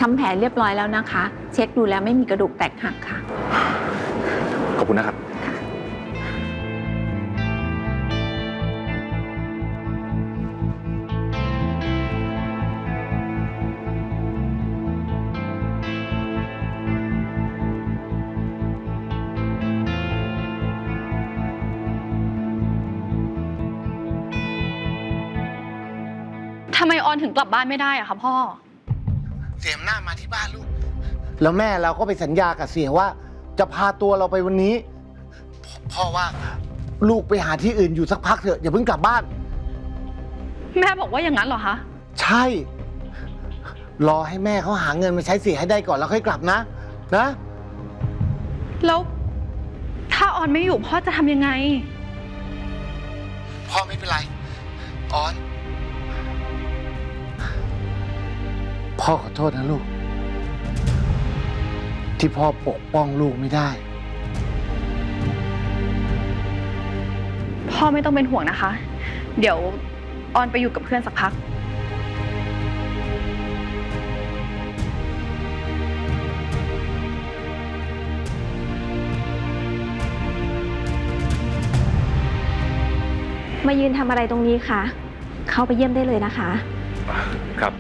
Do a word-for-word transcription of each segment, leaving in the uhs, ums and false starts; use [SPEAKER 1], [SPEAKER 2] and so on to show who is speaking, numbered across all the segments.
[SPEAKER 1] ำแผลเรียบร้อยแล้วนะคะ เช็คดูแล้วไม่มีกระดูกแตกหักค่ะ
[SPEAKER 2] ขอบคุณนะครับ
[SPEAKER 3] ทำไมออนถึงกลับบ้านไม่ได้อะคะพ่อ
[SPEAKER 4] เสียมหน้ามาที่บ้านลูกแล้วแม่เราก็ไปสัญญากับเสียว่าจะพาตัวเราไปวันนี้พ่อว่าลูกไปหาที่อื่นอยู่สักพักเถอะอย่าเพิ่งกลับบ้าน
[SPEAKER 3] แม่บอกว่าอย่างนั้นเหรอคะ
[SPEAKER 4] ใช่รอให้แม่เขาหาเงินมาใช้เสียให้ได้ก่อนแล้วค่อยกลับนะนะ
[SPEAKER 3] แล้วถ้าออนไม่อยู่พ่อจะทำยังไง
[SPEAKER 4] พ่อไม่เป็นไรออนพ่อขอโทษนะลูกที่พ่อปกป้องลูกไม่ได้
[SPEAKER 3] พ่อไม่ต้องเป็นห่วงนะคะเดี๋ยวออนไปอยู่กับเพื่อนสักพัก
[SPEAKER 5] มายืนทำอะไรตรงนี้คะเข้าไปเยี่ยมได้เลยนะคะ
[SPEAKER 2] ครับ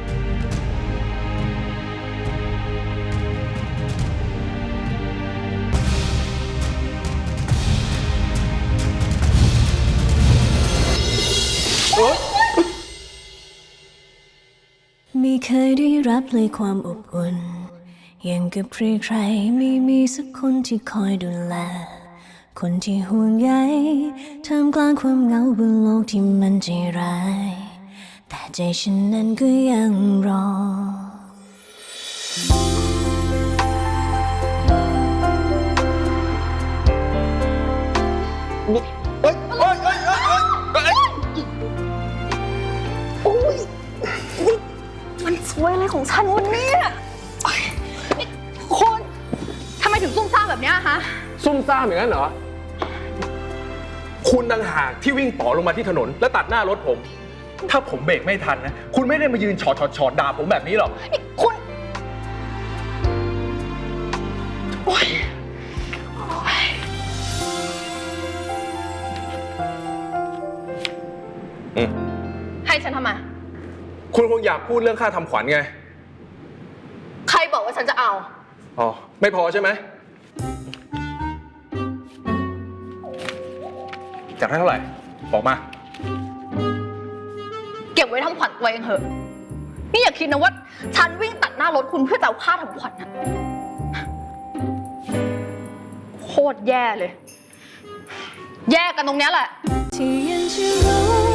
[SPEAKER 6] ไม่เคยได้รับเลยความอบอุ่นอย่างกับใครๆไม่มีสักคนที่คอยดูแลคนที่ห่วงใยท่ามกลางความเหงาบนโลกที่มันใจร้ายแต่ใจฉันนั้นก็ยังรอ
[SPEAKER 4] เฮ้ยเฮ้ยเฮ้ยเฮ้ยเฮ้ย
[SPEAKER 3] โอ้ยมันสวยอะไรของฉันวันนี้คนทำไมถึงซุ่มซ่ามแบบนี้ฮะ
[SPEAKER 2] ซุ่มซ่ามอย่างนั้นเหรอคุณต่างหากที่วิ่งต่อลงมาที่ถนนและตัดหน้ารถผมถ้าผมเบรกไม่ทันนะคุณไม่ได้มายืนฉอดฉอดฉอดด่าผมแบบนี้หรอก
[SPEAKER 3] นี่คุณโอ๊ย
[SPEAKER 2] อืม
[SPEAKER 3] ให้ฉันทำไม
[SPEAKER 2] คุณคงอยากพูดเรื่องค่าทำขวัญไง
[SPEAKER 3] ใครบอกว่าฉันจะเอา
[SPEAKER 2] อ๋อไม่พอใช่ไหมจากได้เท่าไหร่บอกมา
[SPEAKER 3] เก็บไว้ทำขวัญตัวเองเถอะนี่อย่าคิดนะว่าฉันวิ่งตัดหน้ารถคุณเพื่อจะเอาค่าทำขวัญนะโคตรแย่เลยแย่กันตรงนี้แหละ
[SPEAKER 6] ที่ยังจะรู้